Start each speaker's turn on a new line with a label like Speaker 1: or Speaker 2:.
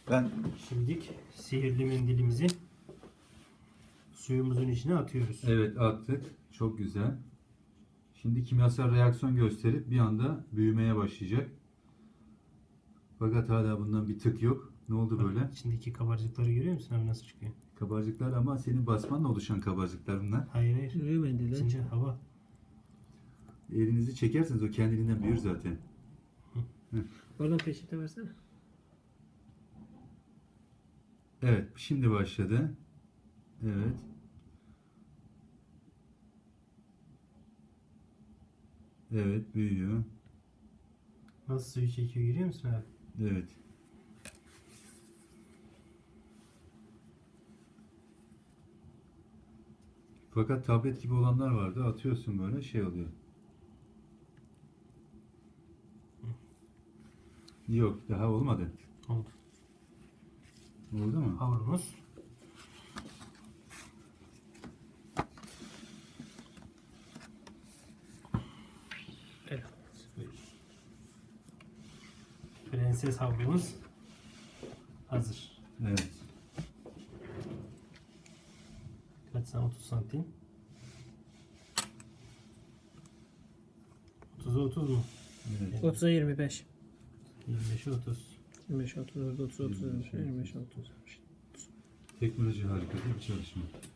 Speaker 1: Ben
Speaker 2: Şimdilik sihirli mendilimizi suyumuzun içine atıyoruz.
Speaker 1: evet attık. Çok güzel. Şimdi kimyasal reaksiyon gösterip bir anda büyümeye başlayacak. Fakat hala bundan bir tık yok. Ne oldu
Speaker 2: Bak,
Speaker 1: böyle?
Speaker 2: İçindeki kabarcıkları görüyor musun abi nasıl çıkıyor?
Speaker 1: Kabarcıklar ama senin basmanla oluşan kabarcıklar bunlar.
Speaker 2: Hayır hayır.
Speaker 3: Duruyor mendilden.
Speaker 2: İçince hava.
Speaker 1: Elinizi çekerseniz o kendiliğinden büyür zaten.
Speaker 3: Oradan peçete versene.
Speaker 1: Evet, şimdi başladı. Evet. Evet, büyüyor.
Speaker 2: Nasıl suyu çekiyor görüyor musun abi?
Speaker 1: Evet. Fakat tablet gibi olanlar vardı. Atıyorsun böyle şey oluyor. Yok, daha olmadı.
Speaker 2: Oldu.
Speaker 1: Oldu mu?
Speaker 2: Hamurumuz.
Speaker 3: Evet.
Speaker 2: Prenses hamurumuz hazır.
Speaker 1: Evet.
Speaker 2: Kaç santim? 30 santim. 30'a 30 mu?
Speaker 1: Evet.
Speaker 3: 30'a 25.
Speaker 2: 25'e 30.
Speaker 3: 25, 30, 30, 30, 25, 25, 30.
Speaker 1: Teknoloji harika değil mi çalışma?